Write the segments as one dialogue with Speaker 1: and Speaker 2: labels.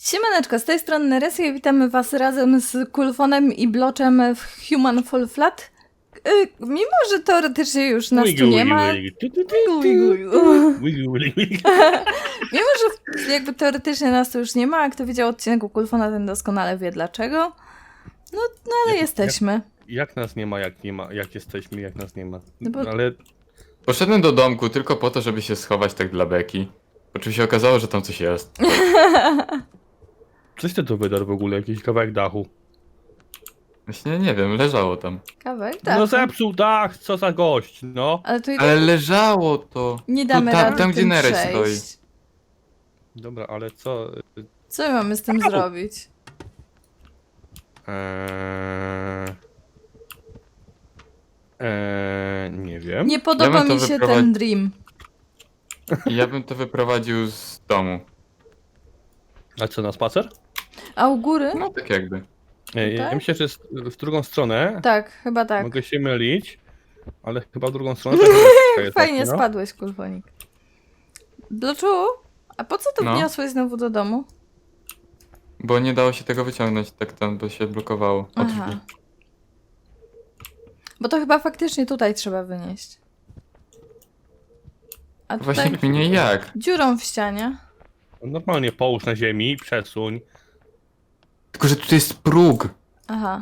Speaker 1: Siemaneczko, z tej strony Neresia i witamy was razem z Kulfonem i Bloczem w Human Fall Flat. Mimo, że teoretycznie już nas tu nie ma... Mimo, że jakby teoretycznie nas tu już nie ma, a kto widział odcinek u Kulfona, ten doskonale wie dlaczego. No ale jesteśmy.
Speaker 2: Jak nas nie ma, jak jesteśmy, jak nas nie ma.
Speaker 1: No bo-
Speaker 2: Ale
Speaker 3: Poszedłem do domku tylko po to, żeby się schować tak dla beki. Po czym się okazało, że tam coś jest.
Speaker 2: coś ty tu wydarł w ogóle, jakiś kawałek dachu.
Speaker 3: Właśnie nie wiem, leżało tam.
Speaker 1: Kawałek, tak.
Speaker 2: No zepsuł dach, co za gość, no.
Speaker 1: Ale tu i
Speaker 3: Ale leżało to.
Speaker 1: nie damy
Speaker 3: tu, tam,
Speaker 1: rady
Speaker 3: tam gdzie
Speaker 1: tym
Speaker 3: Nereś stoi.
Speaker 1: przejść.
Speaker 2: Dobra, ale co?
Speaker 1: Co my mamy z tym zrobić?
Speaker 2: Nie wiem.
Speaker 1: Nie podoba
Speaker 3: bym to
Speaker 1: mi się
Speaker 3: wyprowadzi-
Speaker 1: ten dream.
Speaker 3: I ja bym to wyprowadził z domu.
Speaker 2: A co, na spacer?
Speaker 1: A u góry?
Speaker 3: No tak jakby.
Speaker 2: Ja
Speaker 1: Tak?
Speaker 2: myślę, że jest w drugą stronę.
Speaker 1: Tak, chyba tak.
Speaker 2: Mogę się mylić, ale chyba w drugą stronę. Tak jest
Speaker 1: Fajnie
Speaker 2: właśnie, no.
Speaker 1: spadłeś, Kulfonik. Bloczu, a po co to
Speaker 3: No.
Speaker 1: wniosłeś znowu do domu?
Speaker 3: Bo nie dało się tego wyciągnąć tak tam, bo się blokowało. O
Speaker 1: Aha.
Speaker 3: drzwi.
Speaker 1: Bo to chyba faktycznie tutaj trzeba wynieść. A tutaj
Speaker 3: Właśnie kminie jak.
Speaker 1: dziurą w ścianie.
Speaker 2: Normalnie połóż na ziemi, przesuń.
Speaker 3: Tylko, że tutaj jest próg.
Speaker 1: Aha.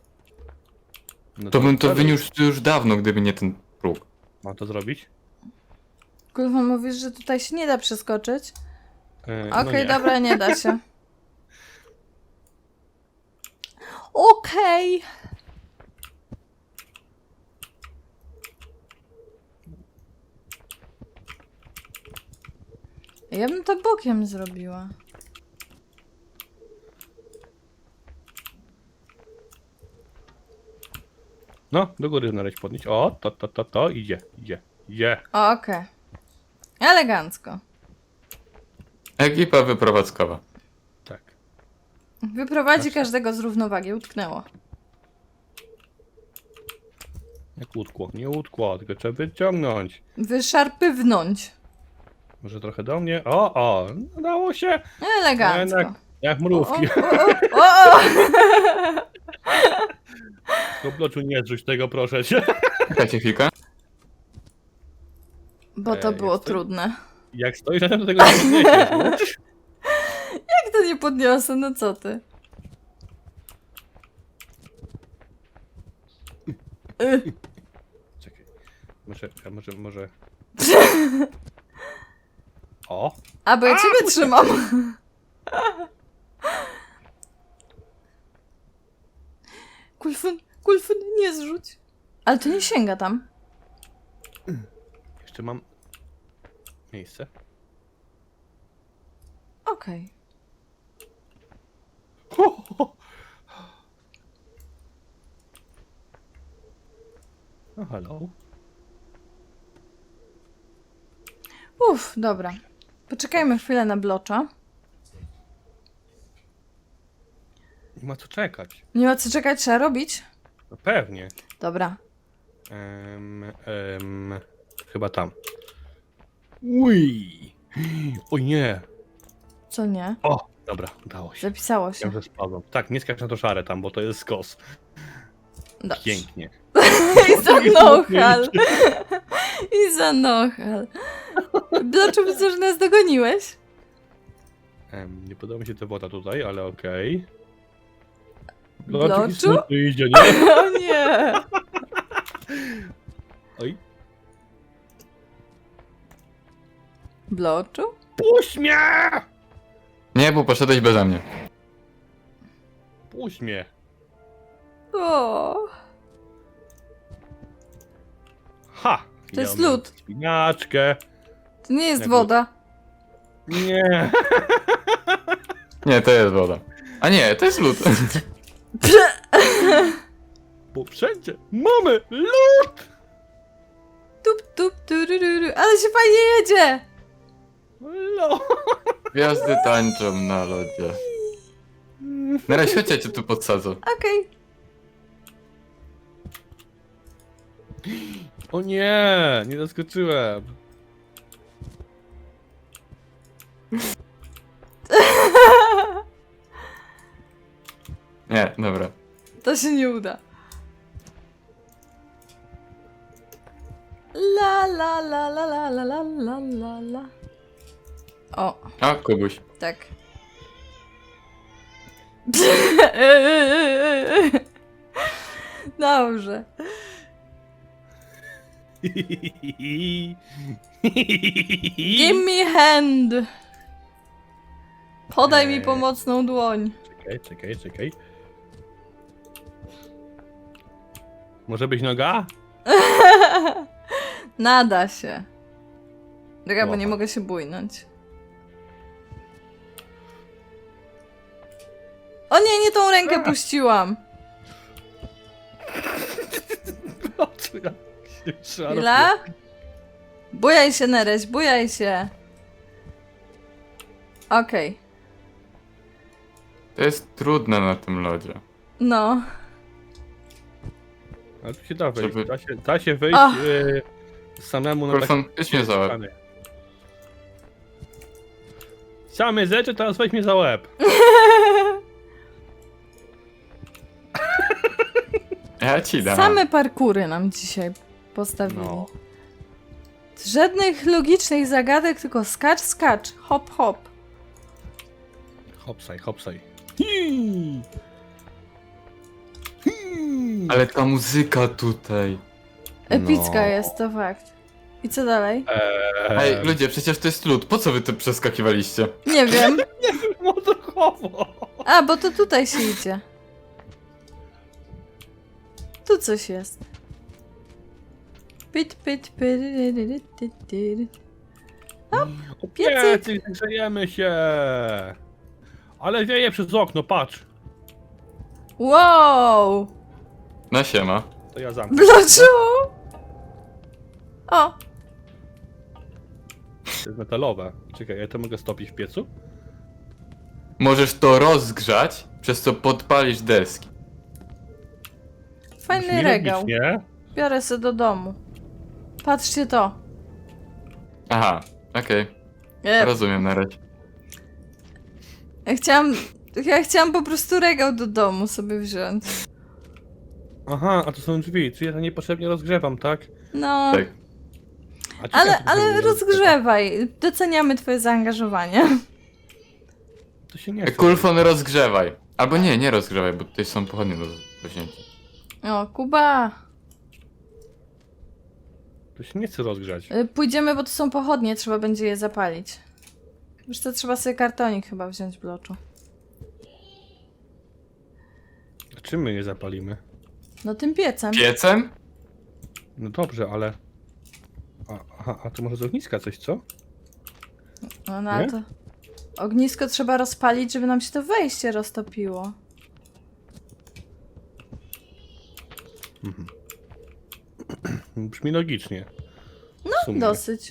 Speaker 2: No
Speaker 3: To bym to
Speaker 2: sorry.
Speaker 3: wyniósł już dawno, gdyby nie ten próg.
Speaker 2: Mam to zrobić?
Speaker 1: Kulfon, mówisz, że tutaj się nie da przeskoczyć?
Speaker 2: No
Speaker 1: Okej,
Speaker 2: nie.
Speaker 1: dobra, nie da się. Okej. Ja bym to bokiem zrobiła.
Speaker 2: No, do góry znaleźć podnieść. O, to, idzie.
Speaker 1: Okej. Elegancko.
Speaker 3: Ekipa wyprowadzkowa.
Speaker 2: Tak.
Speaker 1: Wyprowadzi każdego z równowagi. Utknęło.
Speaker 2: Jak łódkło, nie łódkło, tylko trzeba wyciągnąć.
Speaker 1: Wyszarpywnąć.
Speaker 2: Może trochę do mnie. O, udało się.
Speaker 1: Elegancko.
Speaker 2: Jednak jak mrówki.
Speaker 1: O!
Speaker 2: Do bloczu nie zrzuć tego, proszę cię.
Speaker 3: Czekajcie chwilkę.
Speaker 1: Bo to było
Speaker 2: jest to-
Speaker 1: trudne.
Speaker 2: Jak stoisz na tym, to tego nie podniesiesz, no.
Speaker 1: Jak to nie podniosę? No co ty?
Speaker 2: Czekaj. Może. O!
Speaker 1: A, bo ja ciebie trzymam. Kulfun, nie zrzuć. Ale to nie sięga tam.
Speaker 2: Jeszcze mam miejsce.
Speaker 1: Okej.
Speaker 2: No halo.
Speaker 1: Uff, dobra. Poczekajmy chwilę na blocza.
Speaker 2: Nie ma co czekać.
Speaker 1: Nie ma co czekać, trzeba robić.
Speaker 2: No pewnie.
Speaker 1: Dobra.
Speaker 2: Chyba tam. Uj! O nie!
Speaker 1: Co nie?
Speaker 2: O! Dobra, udało się.
Speaker 1: Zapisało się.
Speaker 2: Ja że spadłem. Tak, nie skacz na to szare tam, bo to jest skos.
Speaker 1: Dobrze.
Speaker 2: Pięknie.
Speaker 1: I za nochal. I za nochal. Bloczu, widzę, że nas dogoniłeś.
Speaker 2: Nie podoba mi się ta woda tutaj, ale okej.
Speaker 1: Bloczu?
Speaker 2: Idzie, nie?
Speaker 1: O nie.
Speaker 2: Oj.
Speaker 1: Bloczu?
Speaker 2: Puść mnie!
Speaker 3: Nie, bo poszedłeś beze mnie.
Speaker 2: Puść mnie!
Speaker 1: O.
Speaker 2: Ha!
Speaker 1: To jest
Speaker 2: Ja mam
Speaker 1: lód.
Speaker 2: Spinaczkę.
Speaker 1: To nie jest
Speaker 2: Jak
Speaker 1: woda.
Speaker 2: Nie!
Speaker 3: Nie, to jest woda. A nie, to jest lód.
Speaker 2: Bo wszędzie mamy lód!
Speaker 1: Tup, tup, turururu. Ale się fajnie jedzie.
Speaker 2: Lód!
Speaker 3: Gwiazdy tańczą na lodzie. Na razie chodź, ja cię tu podsadzę.
Speaker 1: Okej.
Speaker 2: O nie! Nie zaskoczyłem.
Speaker 3: Nie, dobra.
Speaker 1: To się nie uda. La la la la la la la la la la. O,
Speaker 3: A, Kubuś.
Speaker 1: tak. Dobrze. Give me hand. Podaj mi pomocną dłoń.
Speaker 2: Czekaj. Może być noga?
Speaker 1: Nada się. Czekaj, bo
Speaker 2: Łapa.
Speaker 1: nie mogę się bójnąć. O nie tą rękę puściłam.
Speaker 2: O, co ja się szarpię.
Speaker 1: Chwila. Bujaj się, Nereś, bujaj się. Okej.
Speaker 3: To jest trudne na tym lodzie.
Speaker 1: No.
Speaker 2: Ale tu się da wejść.
Speaker 3: Żeby-
Speaker 2: Da się wejść
Speaker 1: Ach.
Speaker 2: samemu na
Speaker 3: Kulfon,
Speaker 2: takie
Speaker 3: weź mnie za łeb.
Speaker 2: ściany. Chciałem mnie zeczy, teraz weź mnie za łeb.
Speaker 3: Ja ci dam.
Speaker 1: Same parkury nam dzisiaj postawili.
Speaker 2: No.
Speaker 1: Żadnych logicznych zagadek, tylko skacz, skacz. Hop, hop.
Speaker 2: Hopsaj.
Speaker 3: Ale ta muzyka tutaj.
Speaker 1: Epicka
Speaker 2: No.
Speaker 1: jest, to fakt. I co dalej?
Speaker 3: Ej, ludzie, przecież to jest lód. Po co wy tu przeskakiwaliście?
Speaker 1: Nie wiem.
Speaker 2: Odruchowo.
Speaker 1: A, bo to tutaj się idzie. Tu coś jest. Pit, pit, pyryryryrytytyry. piecyk.
Speaker 2: Piecyk, grzejemy się. Ale wieje przez okno, patrz.
Speaker 1: Wow!
Speaker 3: No siema.
Speaker 2: To ja zamknę.
Speaker 1: Bloczu! O!
Speaker 2: To jest metalowe. Czekaj, ja to mogę stopić w piecu?
Speaker 3: Możesz to rozgrzać, przez co podpalisz deski.
Speaker 1: Fajny
Speaker 2: Brzmi
Speaker 1: regał.
Speaker 2: logicznie.
Speaker 1: Biorę se do domu. Patrzcie to.
Speaker 3: Aha, okej. Rozumiem na razie.
Speaker 1: Ja chciałam po prostu regał do domu sobie wziąć.
Speaker 2: Aha, a to są drzwi, czyli ja to niepotrzebnie rozgrzewam, tak?
Speaker 1: No,
Speaker 3: Tak.
Speaker 2: A ciekawe, to
Speaker 1: ale
Speaker 2: się
Speaker 1: rozgrzewaj. Doceniamy twoje zaangażowanie.
Speaker 2: To się nie chce.
Speaker 3: Kulfon rozgrzewaj. Albo nie rozgrzewaj, bo tutaj są pochodnie do wzięcia.
Speaker 1: O, Kuba.
Speaker 2: To się nie chce rozgrzać.
Speaker 1: Pójdziemy, bo to są pochodnie, trzeba będzie je zapalić. Wiesz co, trzeba sobie kartonik chyba wziąć, Bloczu.
Speaker 2: A czym my je zapalimy?
Speaker 1: No tym piecem.
Speaker 3: Piecem?
Speaker 2: No dobrze, ale... A to może z ogniska coś, co?
Speaker 1: No ale
Speaker 2: Nie?
Speaker 1: to... Ognisko trzeba rozpalić, żeby nam się to wejście roztopiło.
Speaker 2: Brzmi logicznie.
Speaker 1: No, dosyć.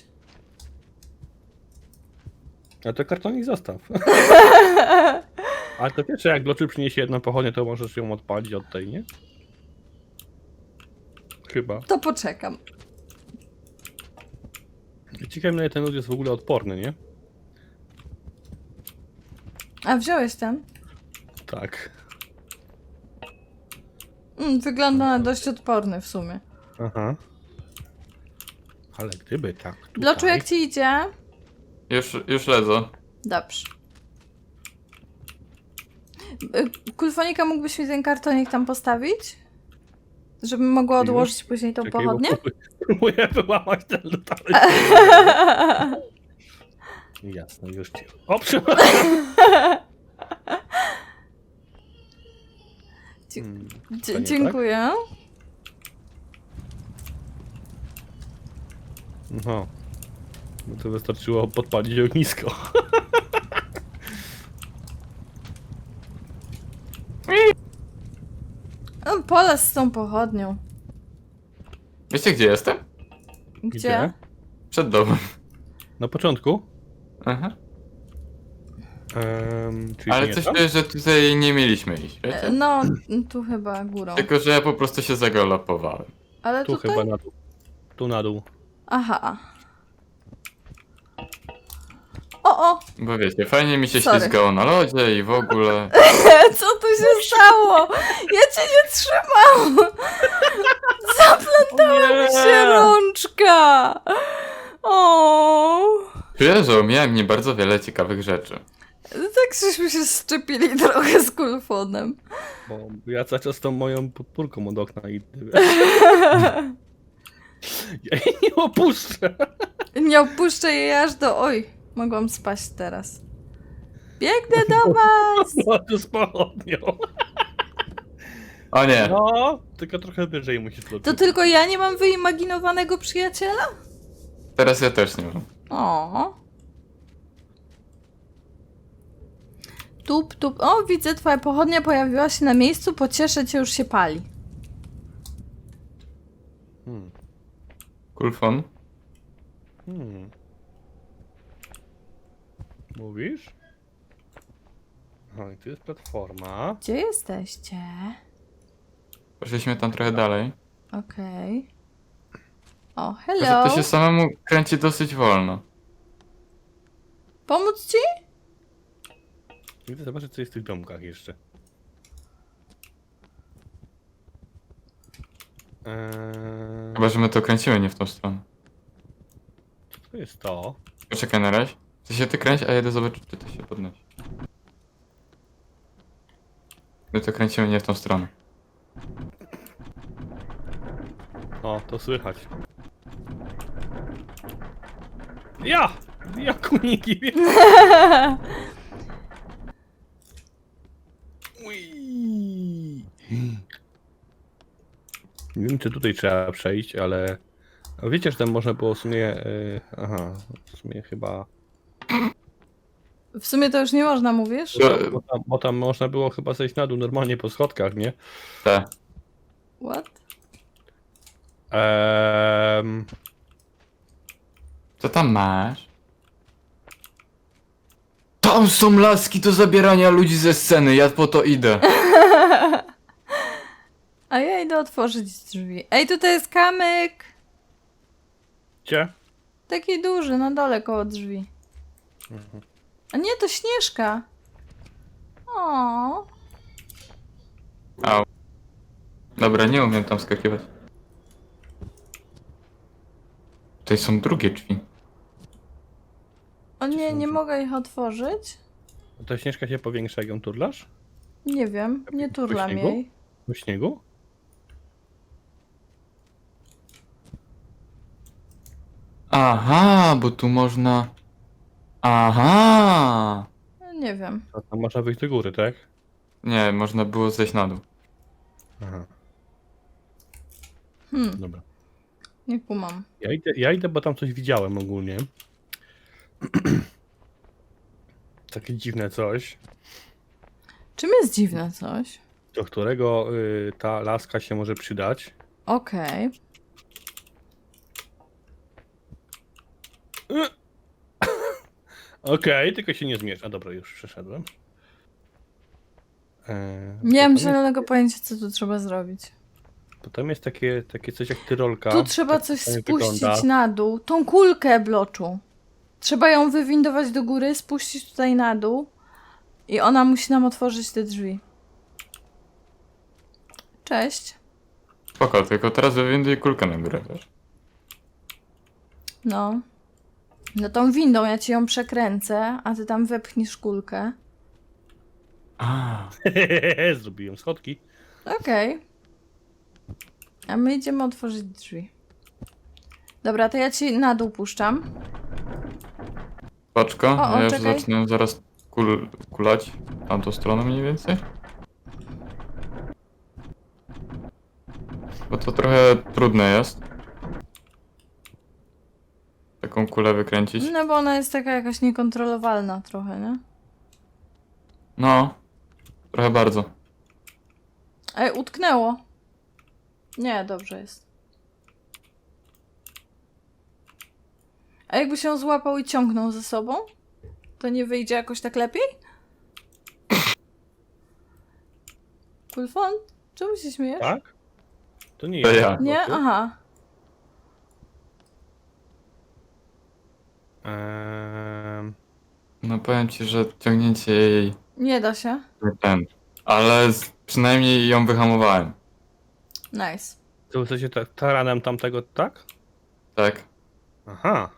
Speaker 2: A to kartonik zostaw. Ale to wiesz, że jak Bloczy przyniesie jedną pochodnię, to możesz ją odpalić od tej, nie? Chyba.
Speaker 1: To poczekam.
Speaker 2: Ciekawe, na ile ten lód jest w ogóle odporny, nie?
Speaker 1: A wziąłeś ten?
Speaker 2: Tak.
Speaker 1: Wygląda na dość odporny w sumie.
Speaker 2: Aha. Ale gdyby tak tutaj...
Speaker 1: Bloczu, jak ci idzie?
Speaker 3: Już lecę.
Speaker 1: Dobrze. Kulfonika, mógłbyś mi ten kartonik tam postawić? Żebym mogła odłożyć później tą
Speaker 2: Czekaj, bo
Speaker 1: pochodnię?
Speaker 2: próbuję wyłamać ten lód, ale... Jasne, już ci... O, to nie
Speaker 1: Dziękuję.
Speaker 2: No. No to wystarczyło podpalić ognisko.
Speaker 1: Polec z tą pochodnią.
Speaker 3: Wiecie gdzie jestem?
Speaker 1: Gdzie?
Speaker 3: Przed domem.
Speaker 2: Na początku?
Speaker 3: Aha.
Speaker 2: Czyli
Speaker 3: Ale
Speaker 2: nie
Speaker 3: coś
Speaker 2: tam?
Speaker 3: czuję, że tutaj nie mieliśmy iść, wiecie?
Speaker 1: No, tu chyba górą.
Speaker 3: Tylko, że ja po prostu się zagalopowałem.
Speaker 1: Ale
Speaker 2: Tu
Speaker 1: tutaj?
Speaker 2: chyba na dół. Tu na dół.
Speaker 1: Aha. O!
Speaker 3: Bo wiecie, fajnie mi się
Speaker 1: Sorry.
Speaker 3: ślizgało na lodzie i w ogóle.
Speaker 1: Co tu się stało? Ja cię nie trzymam! Zaplątała mi się rączka! O!
Speaker 3: Czuję, że omijałem nie bardzo wiele ciekawych rzeczy.
Speaker 1: Tak żeśmy się szczepili trochę z kulfonem.
Speaker 2: Bo ja cały czas tą moją podpórką od okna idę. Ja jej nie opuszczę.
Speaker 1: Nie opuszczę jej aż do... Oj, mogłam spaść teraz. Biegnę do was!
Speaker 2: No, tu z pochodnią.
Speaker 3: O nie,
Speaker 2: No, tylko trochę wyżej musisz lecieć.
Speaker 1: To tylko ja nie mam wyimaginowanego przyjaciela?
Speaker 3: teraz ja też nie mam.
Speaker 1: O. Tup, tup. O, widzę, twoja pochodnia pojawiła się na miejscu. Pocieszę cię, już się pali.
Speaker 2: Hmm.
Speaker 3: Kulfon?
Speaker 2: Mówisz? No i tu jest platforma.
Speaker 1: Gdzie jesteście?
Speaker 3: Poszliśmy tam trochę dalej.
Speaker 1: Okej. O,
Speaker 3: Tylko, że
Speaker 1: hello.
Speaker 3: to się samemu kręci dosyć wolno.
Speaker 1: Pomóc ci?
Speaker 2: Idę zobaczyć, co jest w tych domkach jeszcze.
Speaker 3: Chyba, że my to kręcimy nie w tą stronę.
Speaker 2: Co to jest to?
Speaker 3: Poczekaj na razie. Ty się ty kręć, a ja idę zobaczyć, czy to się podnosi. My to kręcimy nie w tą stronę.
Speaker 2: O, to słychać. Ja! Ja kuniki! Ui. Nie wiem, czy tutaj trzeba przejść, ale... A wiecie, że tam można było w sumie... aha, w sumie chyba...
Speaker 1: W sumie to już nie można, mówisz?
Speaker 2: Bo tam można było chyba zejść na dół normalnie po schodkach, nie?
Speaker 3: Te.
Speaker 1: What?
Speaker 3: Co tam masz? Tam są laski do zabierania ludzi ze sceny, ja po to idę.
Speaker 1: A ja idę otworzyć drzwi. Ej, tutaj jest kamyk!
Speaker 2: Gdzie?
Speaker 1: Taki duży, na dole koło drzwi. A nie, to Śnieżka. O.
Speaker 3: Au. Dobra, nie umiem tam skakiwać. Tutaj są drugie drzwi.
Speaker 1: O nie, nie
Speaker 2: drzwi?
Speaker 1: mogę ich otworzyć.
Speaker 2: Ta śnieżka się powiększa, jak ją turlasz?
Speaker 1: Nie wiem, nie turlam
Speaker 2: śniegu?
Speaker 1: jej.
Speaker 2: Do śniegu?
Speaker 3: Aha, bo tu można... Aha!
Speaker 1: Nie wiem.
Speaker 2: A tam można wyjść do góry, tak?
Speaker 3: Nie, można było zejść na dół.
Speaker 2: Aha, dobra.
Speaker 1: Nie kumam.
Speaker 2: Ja idę, bo tam coś widziałem ogólnie. Takie dziwne coś,
Speaker 1: Czym jest dziwne coś?
Speaker 2: do którego ta laska się może przydać.
Speaker 1: Okej.
Speaker 2: Okej, tylko się nie zmierz. A dobra, już przeszedłem.
Speaker 1: Nie mam
Speaker 2: potem
Speaker 1: zielonego pojęcia, co tu trzeba zrobić.
Speaker 2: Potem jest takie coś jak tyrolka.
Speaker 1: Tu trzeba
Speaker 2: Tak
Speaker 1: coś
Speaker 2: fajnie
Speaker 1: spuścić
Speaker 2: wygląda.
Speaker 1: na dół. Tą kulkę bloczu. Trzeba ją wywindować do góry, spuścić tutaj na dół. I ona musi nam otworzyć te drzwi. Cześć.
Speaker 3: Spoko, tylko teraz wywinduj kulkę na górę, wiesz?
Speaker 1: No. No tą windą ja ci ją przekręcę, a ty tam wepchniesz kulkę.
Speaker 3: A,
Speaker 2: Zrobiłem schodki.
Speaker 1: Okej. A my idziemy otworzyć drzwi. Dobra, to ja ci na dół puszczam.
Speaker 3: paczko,
Speaker 1: O,
Speaker 3: ja już
Speaker 1: czekaj.
Speaker 3: zacznę zaraz kulać w tamtą stronę mniej więcej. Bo to trochę trudne jest. Taką kulę wykręcić.
Speaker 1: No bo ona jest taka jakaś niekontrolowalna trochę, nie?
Speaker 3: No, trochę bardzo.
Speaker 1: Ej, utknęło. Nie, dobrze jest. A jakby się złapał i ciągnął ze sobą? To nie wyjdzie jakoś tak lepiej? Kulfon? Czemu się śmiejesz?
Speaker 2: Tak? To nie
Speaker 3: To
Speaker 2: jest.
Speaker 3: ja.
Speaker 1: Nie? Aha.
Speaker 3: powiem ci, że ciągnięcie jej
Speaker 1: Nie da się.
Speaker 3: nie ten. Ale przynajmniej ją wyhamowałem.
Speaker 1: Nice.
Speaker 2: To w sensie taranem tamtego, tak?
Speaker 3: Tak?
Speaker 2: Aha.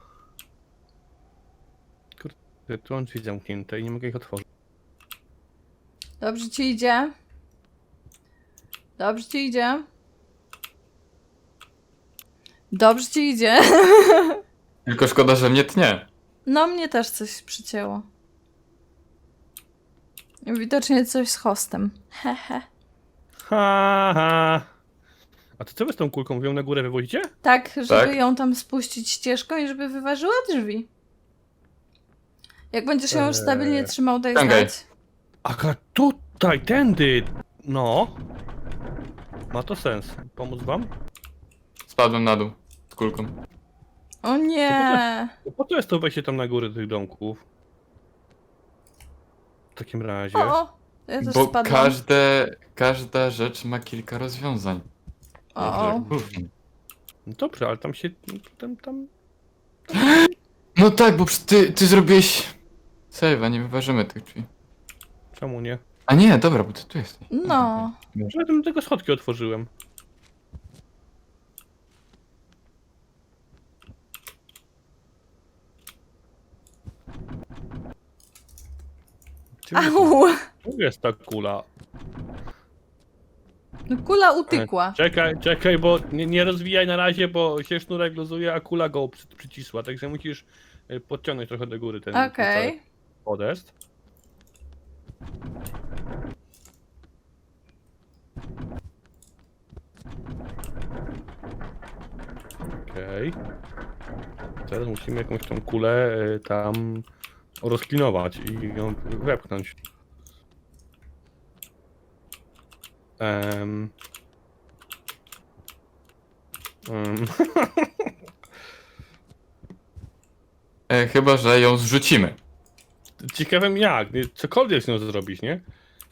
Speaker 2: Kurde, tu mam drzwi zamknięte i nie mogę ich otworzyć.
Speaker 1: Dobrze ci idzie. Dobrze ci idzie. Dobrze ci idzie.
Speaker 3: Tylko szkoda, że mnie tnie.
Speaker 1: No, mnie też coś przycięło. Widocznie coś z hostem. Hehe.
Speaker 2: Ha, ha. A to co wy z tą kulką? Wy ją na górę wywozicie?
Speaker 1: Tak, żeby
Speaker 3: Tak?
Speaker 1: ją tam spuścić ścieżką i żeby wyważyła drzwi. Jak będziesz ją już stabilnie trzymał, daj
Speaker 3: Ściągaj.
Speaker 1: znać.
Speaker 2: Aka tutaj, tędy! No. Ma to sens. Pomóc wam?
Speaker 3: Spadłem na dół z kulką.
Speaker 1: O nie!
Speaker 2: Po co jest to wejście tam na górę tych domków? W takim razie.
Speaker 1: O! Ja też
Speaker 3: Bo
Speaker 1: spadłam.
Speaker 3: każda rzecz ma kilka rozwiązań.
Speaker 1: O.
Speaker 2: No dobrze, ale tam się... Tam...
Speaker 3: No tak, bo ty zrobiłeś save, a nie wyważymy tych drzwi.
Speaker 2: Czemu nie?
Speaker 3: A nie, dobra, bo ty tu jesteś.
Speaker 1: No.
Speaker 2: Ja tam tego schodki otworzyłem.
Speaker 1: Au!
Speaker 2: Tu jest ta kula.
Speaker 1: No, kula utykła.
Speaker 2: Czekaj, bo nie rozwijaj na razie, bo się sznurek luzuje, a kula go przycisła, także musisz podciągnąć trochę do góry ten
Speaker 1: Okej.
Speaker 2: cały podest. Okej. Teraz musimy jakąś tą kulę tam rozklinować i ją wepchnąć. Em.
Speaker 3: Chyba, że ją zrzucimy.
Speaker 2: Ciekawym jak, cokolwiek z nią zrobić, nie?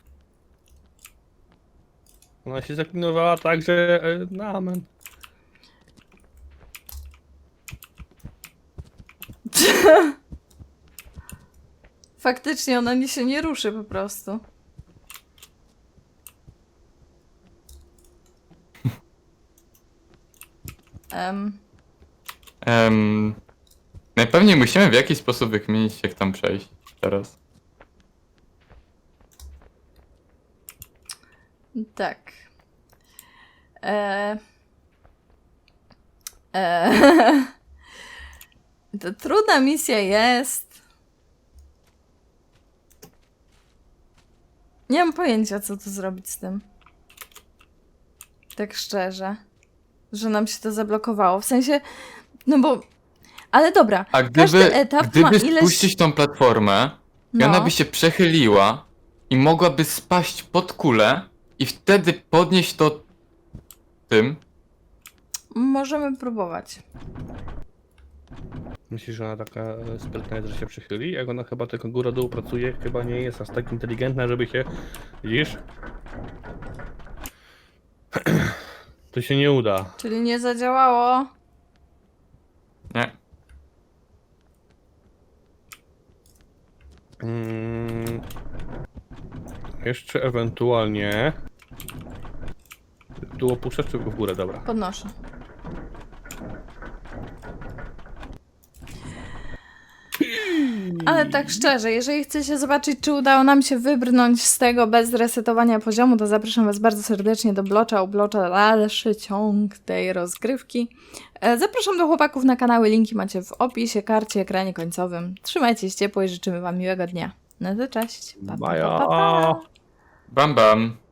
Speaker 2: Ona się zaklinowała tak, że no amen.
Speaker 1: Faktycznie ona się nie ruszy po prostu.
Speaker 3: Najpewniej musimy w jakiś sposób wykminić, jak tam przejść teraz.
Speaker 1: Tak. To trudna misja jest. Nie mam pojęcia, co tu zrobić z tym. Tak szczerze. Że nam się to zablokowało. W sensie, no bo... Ale dobra,
Speaker 3: A
Speaker 1: każdy etap ma
Speaker 3: gdyby
Speaker 1: ileś...
Speaker 3: spuścić tą platformę, i ona by się przechyliła i mogłaby spaść pod kulę i wtedy podnieść to tym.
Speaker 1: Możemy próbować.
Speaker 2: Myślisz, że ona taka sprytna jest, że się przychyli? Jak ona chyba tylko góra-dół pracuje, chyba nie jest aż tak inteligentna, żeby się... Widzisz? To się nie uda.
Speaker 1: Czyli nie zadziałało.
Speaker 3: Nie.
Speaker 2: Jeszcze ewentualnie... Tu opuszczę czy w górę? Dobra.
Speaker 1: Podnoszę. Ale tak szczerze, jeżeli chcecie zobaczyć, czy udało nam się wybrnąć z tego bez resetowania poziomu, to zapraszam was bardzo serdecznie do Blocza, u Blocza dalszy ciąg tej rozgrywki. Zapraszam do chłopaków na kanały, linki macie w opisie, karcie, ekranie końcowym. Trzymajcie się ciepło i życzymy wam miłego dnia. No to cześć. Pa, pa, pa, pa, pa.
Speaker 3: Bam bam.